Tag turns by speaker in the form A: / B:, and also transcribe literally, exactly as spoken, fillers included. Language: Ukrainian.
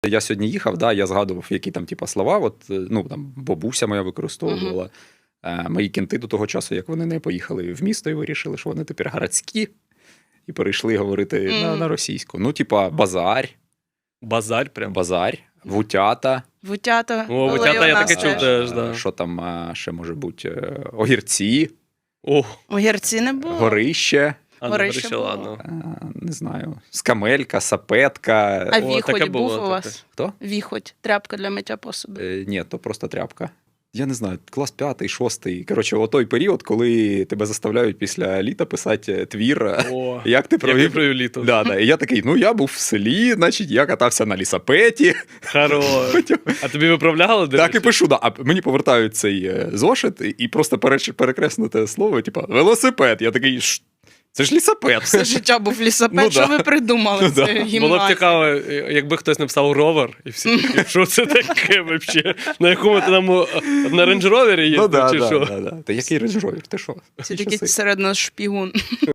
A: я сьогодні їхав, да, я згадував, які там типу, слова, от, ну, там, бабуся моя використовувала. Угу. Е, мої кінти до того часу, як вони не поїхали в місто і вирішили, що вони тепер городські, і перейшли говорити угу. на, на російську. Ну, типа, базар.
B: Базар прям?
A: Базар, вутята.
C: Вутята.
B: О, вутята я таке чув теж, да.
A: Що там ще може бути? Огірці.
B: О.
C: Огірці не було.
A: Горище.
B: А, горище, горище ладно.
A: Не знаю. Скамелька, сапетка.
C: А віхоть був
B: було,
C: у вас?
A: Таке. Хто?
C: Віхоть. Тряпка для миття посуду.
A: Е, ні, то просто тряпка. Я не знаю, клас п'ятий, шостий. Коротше, о той період, коли тебе заставляють після літа писати твір.
B: О,
A: як ти провів,
B: як провів літо.
A: Да, да. І я такий, ну я був в селі, значить, я катався на лісапеті.
B: Хорош. А тобі виправляли?
A: Так і пишу, да. А мені повертають цей зошит і просто перекреснуте слово, типу, велосипед. Я такий, це ж лісапед.
C: Все життя був лісапед,
A: ну,
C: що
A: да.
C: ви придумали?
A: Ну,
C: це
A: да.
C: гімназія.
B: Було б цікаво, якби хтось написав ровер, і всі такі, що це таке взагалі? На якому ти там, на рейндж-ровері їздив,
A: ну, да,
B: чи
A: да,
B: що?
A: Да, да. Та який рейндж-ровер? Ти що?
C: Це такий серед нас шпігун.